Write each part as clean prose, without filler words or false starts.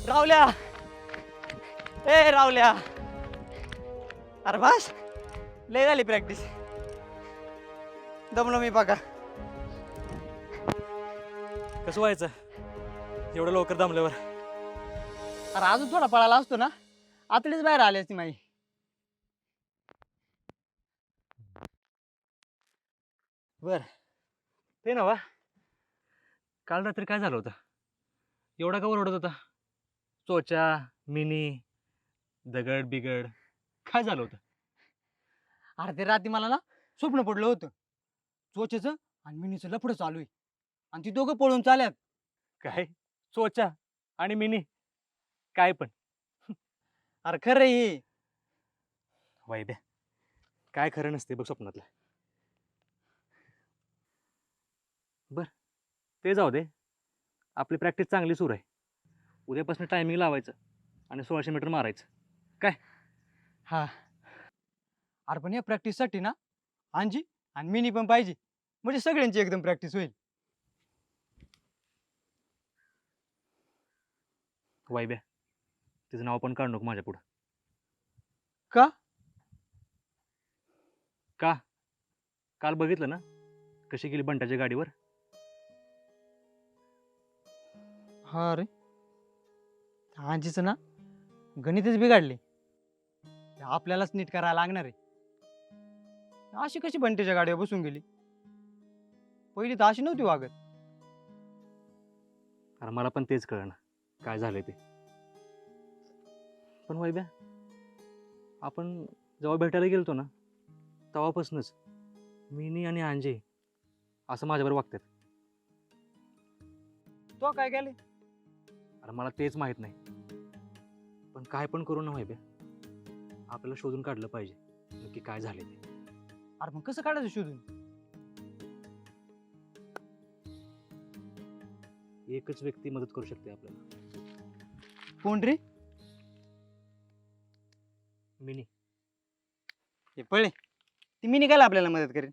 रावल्या ए रावल्या अरे बस लय झाली प्रॅक्टिस दमलो मी बघा कसं व्हायचं एवढं लवकर दमल्यावर? अरे अजून थोडा पळाला असतो ना आतलीच बाहेर आली असती माई बर ते ना वा काल रात्री काय झालं होतं एवढा का ओरडत होता? चोचा मिनी दगड बिगड काय झालं होतं? अरे ते रात्री मला ना स्वप्न पडलं होतं चोचेचं आणि मिनीचं लफडं चालू आहे आणि ती दोघं पळून चाल्यात. काय चोचा आणि मिनी काय पण? अरे खरं हे वाईब्या काय खरं नसते बघ स्वप्नातलं. बर ते जाऊ दे, आपली प्रॅक्टिस चांगली सुरू आहे. उद्यापासून टायमिंग लावायचं आणि 1600 मीटर मारायचं काय? हा अरे पण या प्रॅक्टिससाठी ना आणजी आणि मिनी पण पाहिजे म्हणजे सगळ्यांची एकदम प्रॅक्टिस होईल. वाईब्या तिचं नाव पण काढू नको माझ्या पुढं. का? का? काल बघितलं ना कशी गेली बंटाच्या गाडीवर. हा रे आणजीचं ना गणितच बिघडले आपल्यालाच नीट करायला लागणार आहे. अशी कशी बंटेच्या गाडीवर बसून गेली पहिली तर अशी नव्हती वागत. अरे मला पण तेच कळलं काय झालंय ते. पण वैब्या आपण जेव्हा भेटायला गेलतो ना तेव्हापासूनच मिनी आणि अंजे असं माझ्याबरोबर वागतात. तो काय केले? अरे मला तेच माहित नाही पण काय पण करू ना वैब्या आपल्याला शोधून काढलं पाहिजे नक्की काय झाले ते. अरे मग कसं काढायचं शोधून? एकच व्यक्ती मदत करू शकते आपल्याला. कोण रे? मिनी. हे पळे ती मिनी काय आपल्याला मदत करेल?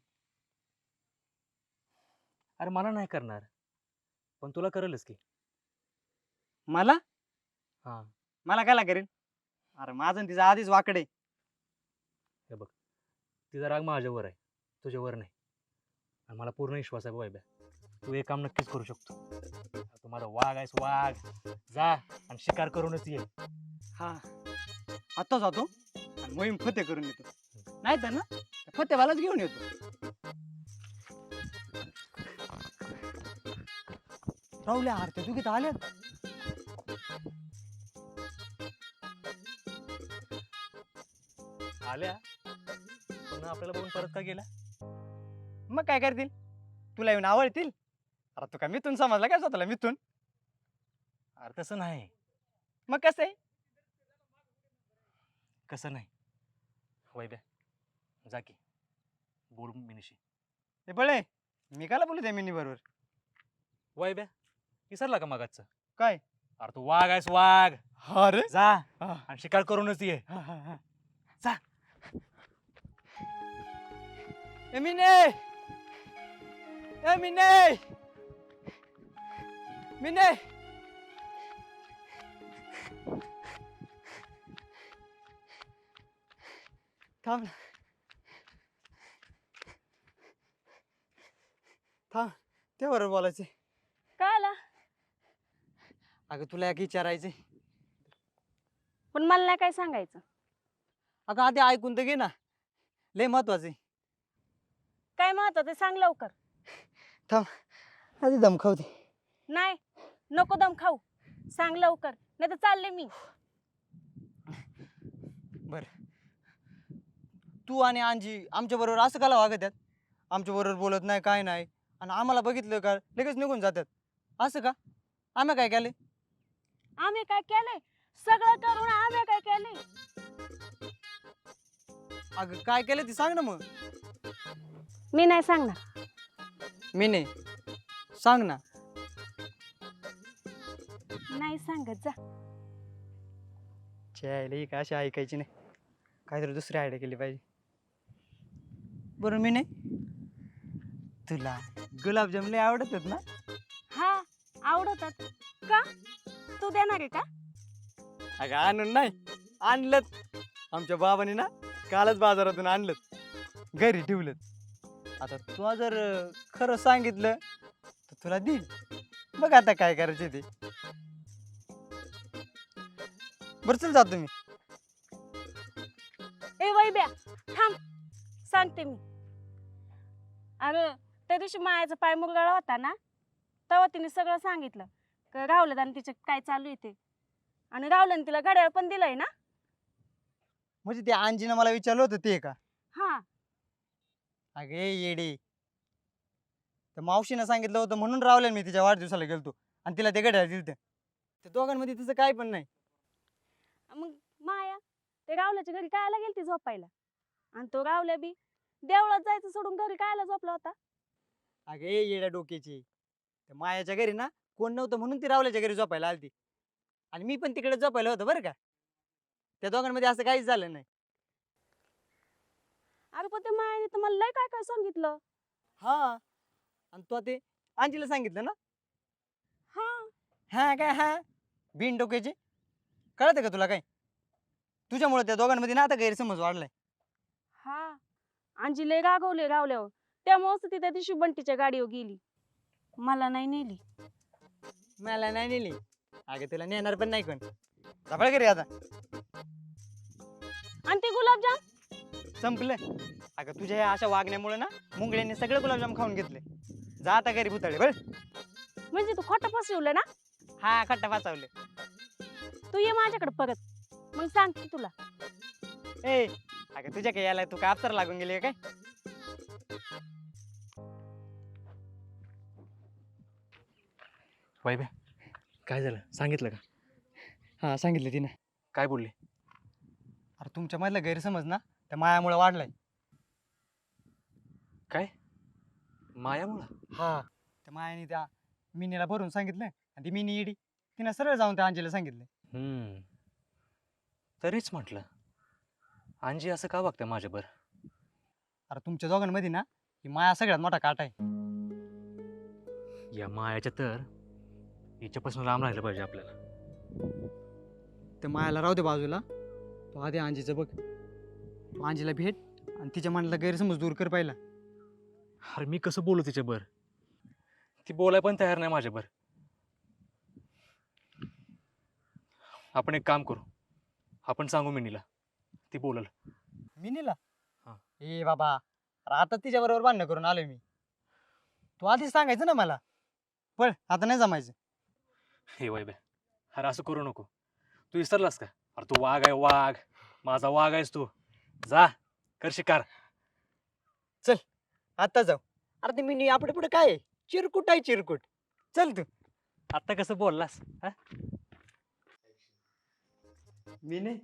अरे मला नाही करणार पण तुला करेलच की. मला? हा मला काय करेल? अरे माझं आणि तिचं आधीच वाकडे. हे बघ तिचा राग माझ्यावर आहे तुझ्यावर नाही. आणि मला पूर्ण विश्वास आहे वैब्या तू एक काम नक्कीच करू शकतो. तू माझा वाघ आहेस वाघ. जा आणि शिकार करूनच ये. हा आता जातो आणि मोहीम फते करून येतो नाही तर ना फतेवालाच घेऊन येतो. राहुल्या आरत्या तू किती आल्यात? आल्या पण आपल्याला बघून परत का गेल्या? मग काय करतील? तुला येऊन आवडतील? अरे तू काय मिथून समजला काय स्वतःला मिथून? अरे तसं नाही. मग कसं आहे? कसं नाही वैब्या जा की बोल मिनीशी. हे बळे मी काला बोलू त्या मिनी बरोबर? वैब्या विसरला का मगाचं? काय? अरे तू वाघ आहेस वाघ. हा रे जा हा, आणि शिकार करूनच ये. हा, हा, हा. जा. ए मिने ए मिने मिने थांब थांब ते बरोबर बोलायचे. काय आला? अगं तुला एक विचारायचे. पण मला नाही काय सांगायचं. अगं आधी ऐकून तर घे ना लय महत्वाचे. काय महत्वाचं ते सांग लवकर. थांब आधी दम खाऊ दे. नाही नको दम खाऊ. सांग लवकर नाही तर चालले मी. बर तू आणि आणजी आमच्या बरोबर असं काला वागत आहेत? आमच्या बरोबर बोलत नाही काय नाही आणि आम्हाला बघितलं का लगेच निघून जातात असं का? आम्ही काय केले? आम्ही काय केलंय? सगळं करून आम्ही काय केलंय? अगं काय केलं ती सांग ना मग. मी नाही सांगणार. मी नाही सांग ना. नाही सांगत जा. छे का अशी ऐकायची नाही काहीतरी दुसरी आयडिया केली पाहिजे. बरं मी नाही तुला गुलाबजाम लय आवडतात ना? हा आवडतात. का? तू देणार आहे का? अगं आणून नाही आणलं. आमच्या बाबाने ना कालच बाजारातून आणलं, घरी ठेवलं. आता तू जर खरं सांगितलं तर तुला देईल. बघ आता काय करायचं ते. बरं चल जातो मी. ए वैब्या थांब, सांगते मी. अगं त्या दिवशी मायाचा पाय मुरगळा होता ना, तेव्हा तिने सगळं सांगितलं का राहुल आणि तिचं काय चालू आहे ते. आणि राहुलने तिला घड्याळ पण दिलंय ना. म्हणजे ते आंजीनं मला विचारलं होतं ते का? हा अगे येडे, तर मावशीनं सांगितलं होतं म्हणून रावल्या मी तिच्या वाढदिवसाला गेलतो आणि तिला ते घड्याळ दिलं. त्या दोघांमध्ये तिचं काय पण नाही. मग माया ते राहुल्याच्या घरी कायला गेलती झोपायला, आणि तो राहुल्या बी देवळात जायचं सोडून घरी कायला झोपला होता. अगे येड्या डोक्याची, त्या मायाच्या घरी ना कोण नव्हतं म्हणून ती रावल्याच्या घरी झोपायला आलती. आणि मी पण तिकडे झोपायला होतो बरं का. त्या दोघांमध्ये असं काहीच झालं नाही. अरे पण ते मायाने तर मला लय काय काय सांगितलं. हा, आणि तू ते आंजीला सांगितलं ना? हा हा काय हा, बिन डोक्याची. कळतं का तुला काय? तुझ्यामुळे त्या दोघांमध्ये ना आता गैरसमज वाढलाय. हा अंजी लय रागवले रावल्यावर. त्यामुळेच ती त्या दिवशी बंटीच्या गाडीवर गेली, मला नाही नेली. मला नाही नेली. अगं तुला नेणार पण नाही कोण. झपाळ घरी आता. आणि ते गुलाबजाम संपलं. अगं तुझ्या ह्या अशा वागण्यामुळे ना मुंगळ्यांनी सगळे गुलाबजाम खाऊन घेतले. जा आता घरी भुताळे बळ. म्हणजे तू खोटं फसवलं ना. हा खट्टा वाचवले. तू ये माझ्याकडे परत, मग सांगते तुला. ए अगं तुझ्या काय यायला तू काय अप्सर लागून गेली का काय? वैभ्या, काय झालं सांगितलं का? हा सांगितलं तिने. काय बोलले? अरे तुमच्या मधला गैरसमज ना त्या मायामुळे वाढलाय. काय मायामुळं? हा, त्या मायाने त्या मिनीला भरून सांगितलं आणि ती मिनी इडी तिनं सरळ जाऊन त्या अंजीला सांगितलं. तरीच म्हटलं अंजी असं का वागतं माझ्यावर? अरे तुमच्या दोघांमध्ये ना ही माया सगळ्यात मोठा काटा आहे. या मायाच्या तर हिच्यापासून लांब राहिलं पाहिजे आपल्याला. त्या मायाला राहू दे बाजूला. तो आधी अंजीचं बघ. तू अंजीला भेट आणि तिच्या मनाला गैरसमज दूर कर पाहिला. अरे मी कसं बोलू तिच्यावर? ती बोलाय पण तयार नाही माझ्यावर. आपण एक काम करू, आपण सांगू मिनीला, ती बोलल. मिनीला? हा. ए बाबा, अरे आता तिच्या बरोबर भांडणं करून आलोय मी. तू आधीच सांगायचं ना मला. पण आता नाही जमायचं. हे वैभ्या, अरे असं करू नको. तू विसरलास का? अरे तू वाघ आहे, वाघ. माझा वाघ आहेस तू. जा कर शिकार. आता जाऊ. अरे ते मिनी आपल्या पुढे काय आहे? चिरकुट आहे चिरकुट. चल तू. आता कसं बोललास हा? मिनी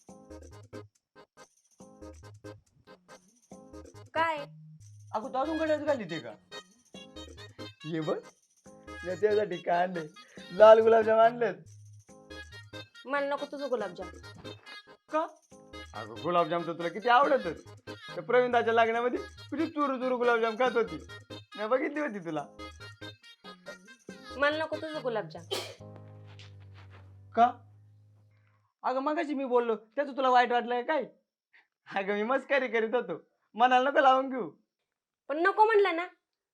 काय अगं तू अजून गड्यात घाली ते का? ये बघ, मी त्यासाठी काय आणले, लाल गुलाबजाम आणलेत. मला नको तुझं गुलाबजाम. का? अगं गुलाबजाम तर तुला किती आवडतच. त्या प्रवीणदाच्या लग्नामध्ये तुझी चुरू चुरू गुलाबजाम खात होती, मी बघितली होती तुला. मला नको तुझं गुलाबजाम. का? अगं मगाशी मी बोललो त्याचं तुला वाईट वाटलंय काय? अगं मी मस्करी करीत होतो, मनाला नको लावून घेऊ. पण नको म्हणलं ना.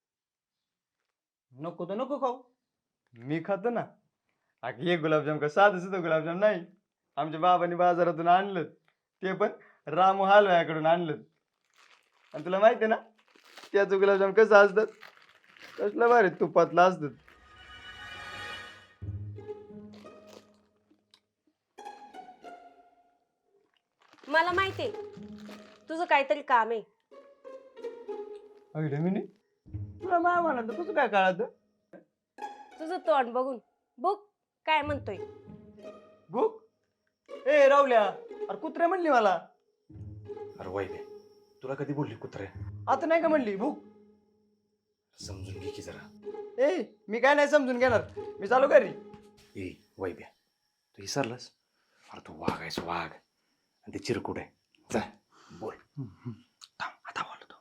नको तर नको खाऊ, मी खातो ना. अगं हे गुलाबजाम का साधं सुद्धा गुलाबजाम नाही, आमच्या बाबांनी बाजारातून आणलं, ते पण रामू हलवायाकडून आणलं. आणि तुला माहिती आहे ना त्याचं गुलाबजाम कसं असतात, कसलं भारी तुपातलं असतात. मला माहितीये तुझं काहीतरी काम आहे. अगं मिनी, तुला माया म्हणा कसं काय कळालं? तुझं तोंड बघून बघ काय म्हणतोय. भूक? ए रावल्या, अरे कुत्रे म्हणली मला. अरे वैभ्या, तुला कधी बोलली कुत्रे? आता नाही का म्हणली भूक? समजून घे की जरा. ए मी काय नाही समजून घेणार, मी चालू घरी. ए वैभ्या, तू विसरलास? अरे तू वाघ आहेस, वाघ. आणि ते चिरकुट आहे. जा बोल. थांब, आता बोलतो.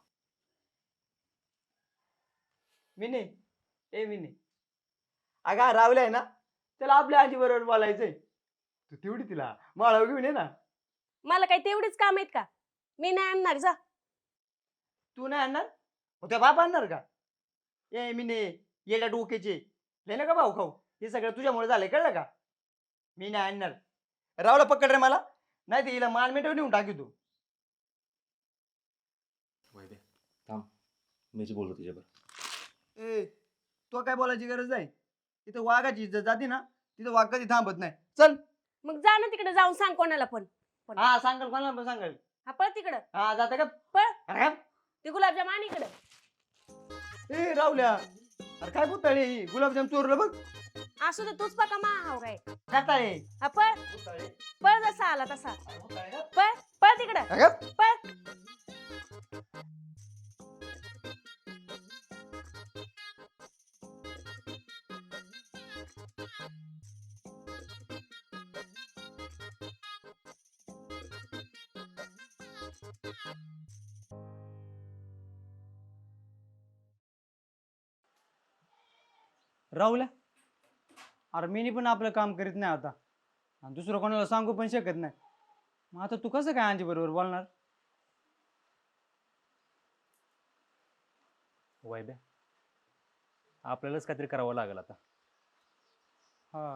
मिनी, ए मिनी, अगं रावल्या आहे ना, त्याला आपल्या आजी बरोबर बोलायचंय. तू तेवढी तिला माळावर घेऊन ये ना. मला काही तेवढीच काम आहेत का? मी नाही आणणार जा. तू नाही आणणार मग त्या बाप आणणार का? ए मी ने येड्या डोक्याचे लय नका भाऊ खाऊ. हे सगळं तुझ्यामुळे झालंय कळलं का? मी नाही आणणार. रावला पकड रे मला, नाही ते हिला मान मिटवून नेऊन टाकी तू. वैभ्या थांब, मीच बोलतो तुझ्याबरोबर. ए तो काय बोलायची गरज नाही. इथं वाघाची इज्जत जाते ना, तिथं वाघ कधी थांबत नाही. चल. मग जा ना तिकडे जाऊन सांग कोणाला पण. हा सांगाल कोणाला पण सांगाल. हा पळ तिकडं. हा जाता का? पळ. अरे ते गुलाबजाम आण इकडं. ए रावल्या, अरे काय बोलताय ही? गुलाबजाम चोरलं बघ. असू दे तूच पका मा हाव काय. जाता रे. हा पळ. पळ जसा आला तसा. पळ पळ तिकडं. अगं पळ. राहुल्या, अरे मीनी पण आपलं काम करीत नाही आता आणि दुसरं कोणाला सांगू पण शकत नाही. मग आता तू कसं काय आंजी बरोबर बोलणार? वैभ्या आपल्यालाच काहीतरी करावं लागेल आता. हा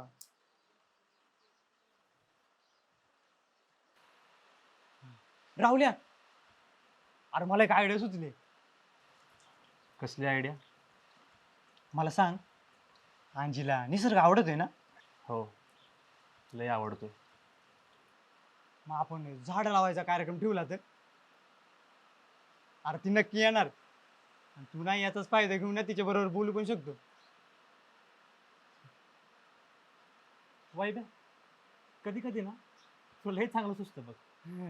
राहुल्या, अरे मला एक आयडिया सुचली. कसली आयडिया? मला सांग, आंजीला निसर्ग आवडत आहे ना? हो लय आवडतोय. मग आपण झाड लावायचा कार्यक्रम ठेवला तर? अरे ती नक्की येणार आणि तू नाही याचाच फायदा घेऊन ना तिच्या बरोबर बोलू पण शकतो. वैभ्या कधी कधी ना तुला हे चांगलं सुचतं बघ.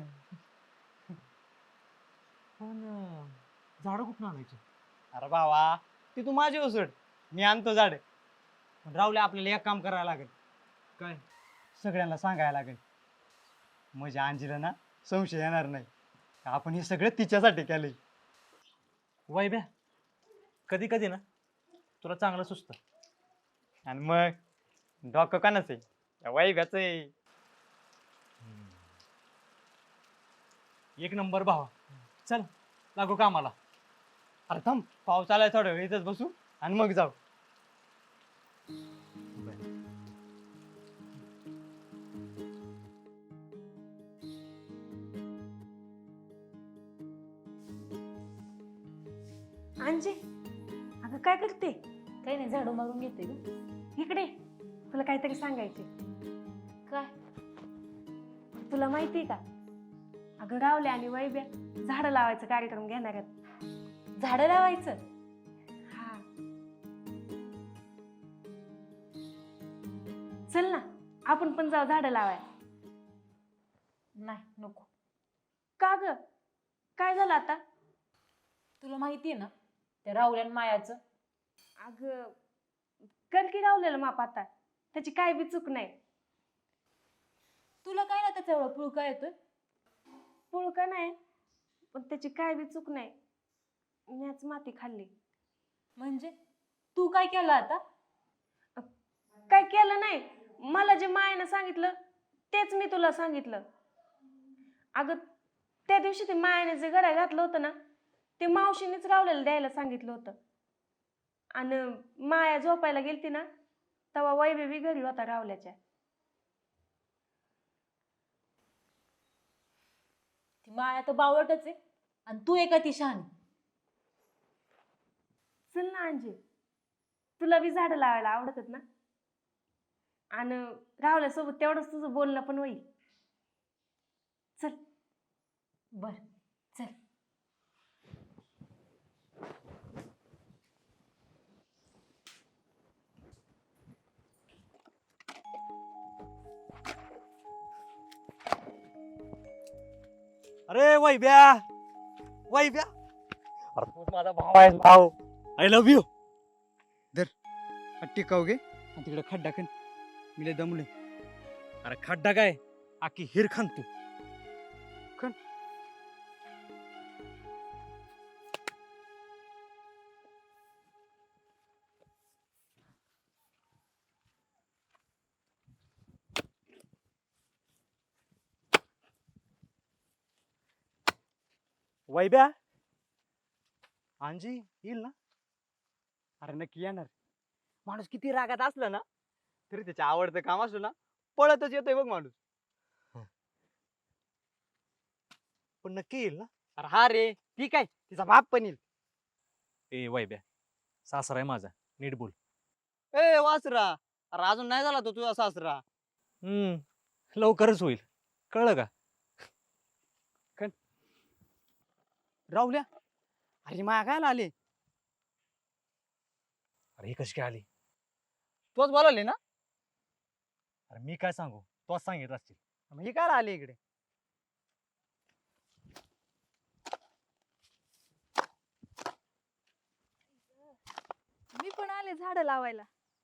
पण झाडं कुठून आणायची? अरे बाबा ते तू माझी उसड, मी आणतो झाड. पण राहुल्या आपल्याला एक काम करायला लागेल. काय? सगळ्यांना सांगायला लागेल, म्हणजे अंजीला ना संशय येणार नाही का आपण हे सगळं तिच्यासाठी केलंय. वैभ्या कधी कधी ना तुला चांगलं सुचतं. आणि मग डोकं कानाच आहे, या वैभ्याच आहे. एक नंबर भावा. चल लागू कामाला. अरे थांब, पाऊस आलाय, थोडं वेळ इथंच बसू आणि मग जाऊ. अंजे अगं काय करते? काही नाही, झाडू मारून घेते ग. इकडे तुला काहीतरी सांगायचे. काय? तुला माहिती का, अगं रावले आणि वैभ्या झाडं लावायचा कार्यक्रम घेणार आहेत. झाडं लावायचं? हा चल ना, आपण पण जाऊ झाडं लावाय. नाही नको. का ग, काय झालं आता? तुला माहितीये ना त्या राहुल्यान मायाचं. अगं कर की रावलेलं माप, आता त्याची काय बी चूक नाही. तुला काय ना त्याचा एवढा पुळका येतोय? पुळका नाही, पण त्याची काय बी चूक नाही. मीच माती खाल्ली. म्हणजे तू काय केलं आता? काय केलं नाही, मला जे मायानं सांगितलं तेच मी तुला सांगितलं. अगं त्या दिवशी ते मायाने जे घड्याळ घातलं होतं ना, ते मावशीनेच रावलेलं द्यायला सांगितलं होतं. आणि माया झोपायला गेलती ना, तेव्हा वैभवी घरी होता रावल्याच्या. ती माया तर बावळटच आहे आणि तू एका ती शहाणी. चल ना अंजे, तुला बी झाडं लावायला आवडतात ना, आणि रावल्यासोबत तेवढंच तुझं बोलणं पण होईल. चल. बर चल. अरे वैभ्या, वैभ्या, अरे तू माझा भाव आहे. भाऊ, आय लव्ह यू. टिकाऊ घे आणि तिकडे खड्डा खण, मी लय दमलोय. अरे खड्डा काय, आखी हिर खान तू. वैब्या अंजी येईल ना? अरे नक्की येणार. माणूस किती रागात असला ना तरी त्याच्या आवडतं काम असलं ना पळतच येतोय बघ माणूस. पण नक्की येईल ना? अरे हा रे ती काय तिचा बाप पण येईल. ए वैब्या, सासरा आहे माझा, नीट बोल. ए वासरा, अरे अजून नाही झाला तो तुझा सासरा. लवकरच होईल, कळलं का? राहुल्या, अरे मागायला आले. अरे ही कशी काय आली? तोच बोलावले ना. अरे मी काय सांगू, तोच सांगितलं असतील. मग हे काय आले इकडे? मी पण आले झाड लावायला.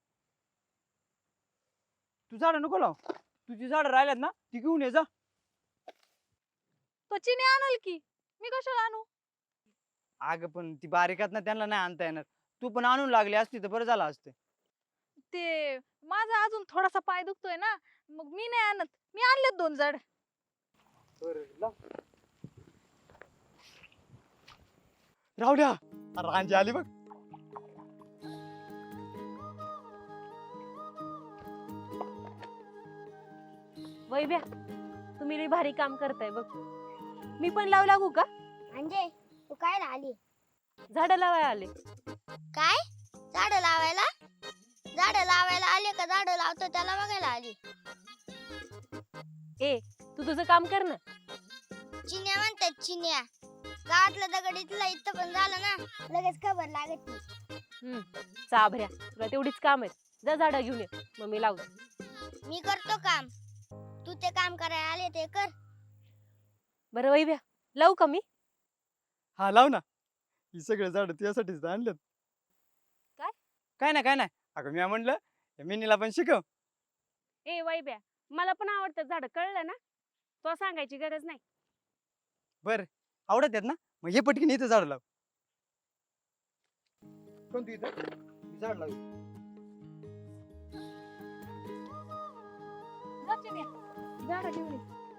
तू झाडं नको लाव. तुझी झाडं राहिल्यात ना ती घेऊन ये जा. तो चिनी आणल की, मी कशाला आणू? अगं पण ती बारीकात ना त्यांना नाही आणता येणार. तू पण आणून लागली असती तर बरं झालं असतं. ते माझा अजून थोडासा पाय दुखतोय ना, मग मी नाही आणत. मी आणलेत 2 झाड. राहुल्या, अरे रांजी आली बघ. वैभ्या, तुम्ही लई भारी काम करताय बघ. मी पण लावू लागू का? म्हणजे तू काय आली? झाडं लावायला आले. काय झाड लावायला? झाड लावायला आले का झाड लावतो त्याला बघायला आली? ए, तू तुझं काम कर ना. चिन्या म्हणतात चिन्या. गावातलं दगड इथलं इथं पण झालं ना लगेच खबर लागत नाही. चाभऱ्या, तुला तेवढीच काम आहेत. जा झाडं घेऊन ये, मग मी लावते. मी करतो काम, तू ते काम करायला आले ते कर. बरं वैभ्या, लावू का मी? हा लाव ना. ही सगळे झाड तुझ्यासाठीच तर आणलेत. काय? काय नाही. अगं मी म्हणलं या मिनीला पण शिकव. ए वैभ्या, मला पण आवडतं झाडं, कळलं ना? तो सांगायची गरज नाही. बर आवडत आहेत ना, मग हे पटकीन इथं झाड लाव. कोण तू इथं झाड लाव. जा चिन्या, झाड घेऊन ये.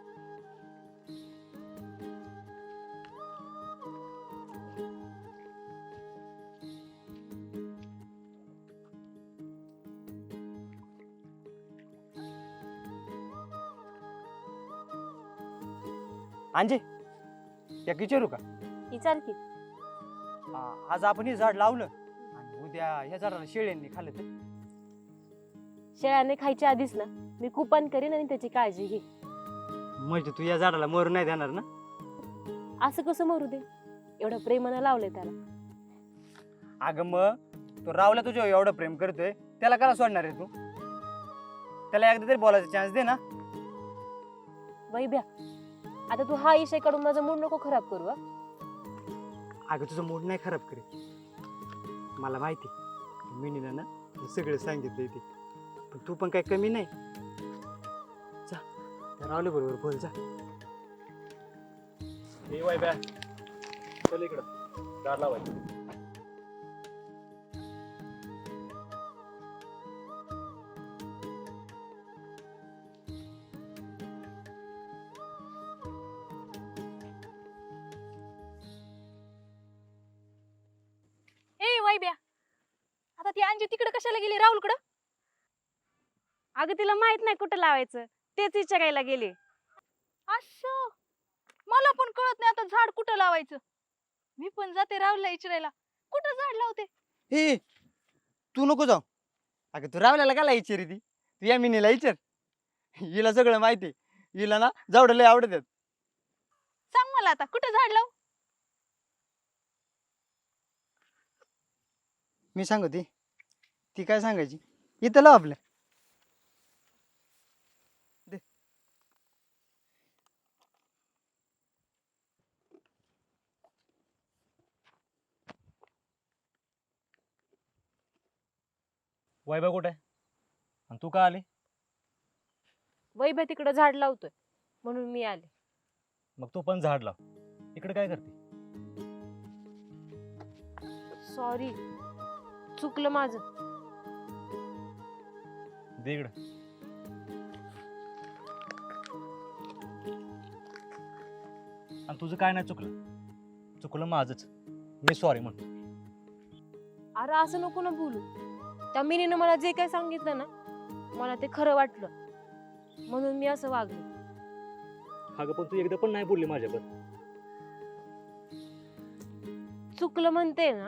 अंजे या विचारू का? विचार की. आज आपण हे झाड लावलं आणि उद्या ह्या झाडाला शेळ्यांनी खाल्लं तर? शेळ्याने खायच्या आधीच ना मी कुपन करीन आणि त्याची काळजी घे. म्हणजे तू या झाडाला मरू नाही देणार ना? असं कसं मरू दे, एवढं प्रेमानं लावलंय त्याला. अगं मग तो रावला तुझ्या एवढं प्रेम करतोय त्याला कला सोडणार आहे तू? त्याला एकदा तरी बोलायचा चान्स दे ना. वैभ्या, आता तू हा विषय काढून माझा मूड नको खराब करू. अगं तुझं मूड नाही खराब करे. मला माहिती मिनीला ना हे सगळं सांगितलंय ते, पण तू पण काही कमी नाही. जा त्या रावले बरोबर बोल जा. ए वैब्या, चल इकडं, झाड लावायचं. ए वैब्या, आता ती अंजी तिकडे कशाला गेली राहुलकडं? अगं तिला माहित नाही कुठं लावायचं, तेच विचारायला गेले. असं मला पण कळत नाही आता झाड कुठं लावायचं. मी पण जाते राहुलला विचारायला, कुठं झाड लावते. हे तू नको जाऊ. अगं तू रावल्याला काय विचारी ती? तू या मिनीला विचार. हिला सगळं माहिती. हिला ना झाडं लय आवडतात. सांग मला आता कुठं झाड लावू. मी सांगते ती काय सांगायची. इथं लाव आपल्या. दे. वैभव कुठे आहे? आणि तू का आली? वैभ्या तिकडं झाड लावतोय म्हणून मी आले. मग तू पण झाड लाव. इकडे काय करते? सॉरी, चुकलं माझं. दे इकडं. आणि तुझं काय नाही चुकलं. चुकलं माझंच, मी सॉरी म्हणतो. अरे असं नको ना बोलू. त्या मिनीनं मला जे काय सांगितलं ना मला ते खरं वाटलं म्हणून मी असं वागले. अगं पण तू एकदा पण नाही बोलली माझ्यावर. चुकलं म्हणते ना.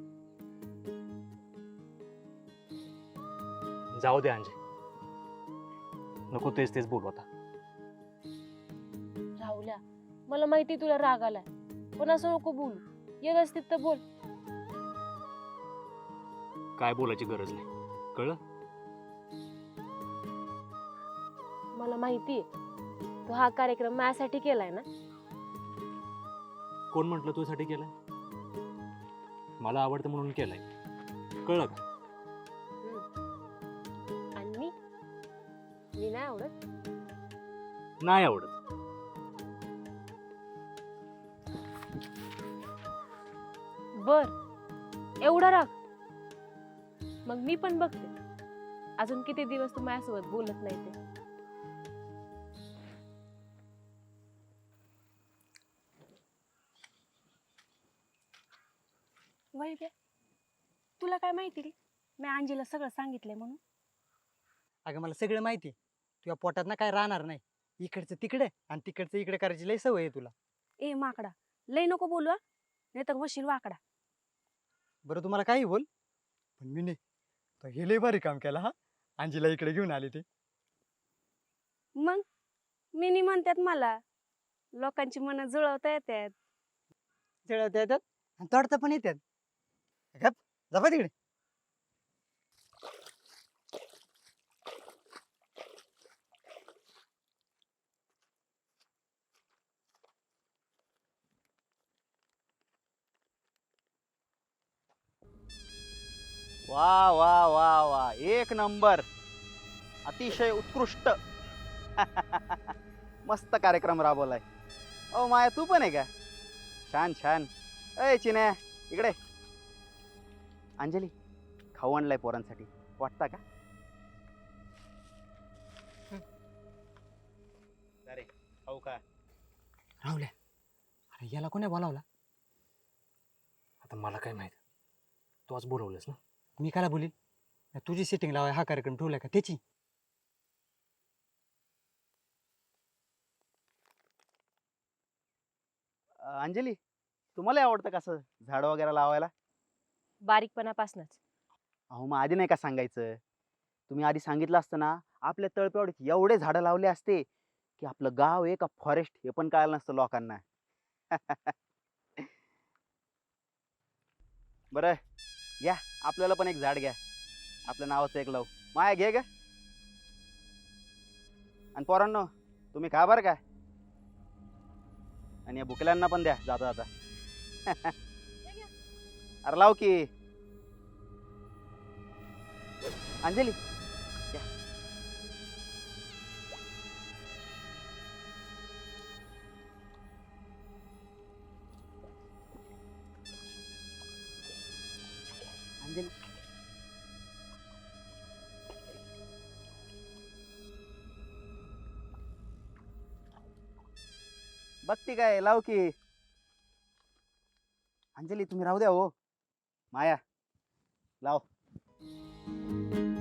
जाऊ दे अंजे, नको तेच तेच बोलू आता. राहुल्या, मला माहिती तुला राग आलाय पण असं नको बोलू. व्यवस्थित तर बोल. काय बोलायची गरज नाही, कळलं? मला माहितीये तू हा कार्यक्रम माझ्यासाठी केलाय ना. कोण म्हटलं तुझ्यासाठी केलाय? मला आवडतं म्हणून केलाय, कळलं का? आणि मी नाही आवडत. नाही आवडत. बर, एवढा राग? मग मी पण बघते अजून किती दिवस तू माझ्यासोबत बोलत नाही ते. वैभ्या, तुला काय माहिती रे मी अंजीला सगळं सांगितलंय म्हणून? अगं मला सगळं माहिती आहे. तुझ्या पोटात ना काय राहणार नाही. इकडचं तिकडे आणि तिकडचं इकडे करायची लय सवय आहे तुला. ए माकडा, लय नको बोलू नाही तर वशील वाकडा. बरं तुम्हाला काही बोल, पण मी नाही. तर हे लय भारी काम केलं हा, अंजीला इकडे घेऊन आले ते. मग मिनी म्हणतात मला लोकांची मनं जुळवता येतात. जळवता येतात आणि तोडता पण येतात. गप, जा बा तिकडे. वा वा वा वा, एक नंबर, अतिशय उत्कृष्ट. मस्त कार्यक्रम राबवलाय. ओ माया, तू पण आहे का? छान छान. अय चिन्या, इकडे. अंजली, खाऊ आणलाय पोरांसाठी, वाटता का? अरे खाऊ का? राहुल्या, अरे याला कोणी बोलावला? आता मला काय माहित, तू आज बोलवलंस ना. मी काला बोलील? तुझी सेटिंग लावाय हा कार्यक्रम ठेवलाय का त्याची? अंजली, तुम्हाला आवडतं कसं झाड वगैरे लावायला? बारीकपणापासूनच. अहो मग आधी नाही का सांगायचं? तुम्ही आधी सांगितलं असतं ना, आपल्या तळप्यावर एवढे झाडं लावले असते की आपलं गाव आहे का फॉरेस्ट हे पण कळलं नसतं लोकांना. बरं घ्या, आपल्याला पण एक झाड घ्या, आपल्या नावाचं एक लावू. माया घे ग. आणि पोरांनो, तुम्ही खा बरं का, आणि या भुकल्यांना पण द्या जाता जाता. अरे लाव की अंजली. घ्या. अंजली, बघती काय, लाव की. अंजली तुम्ही राहू द्या हो. माया लाव.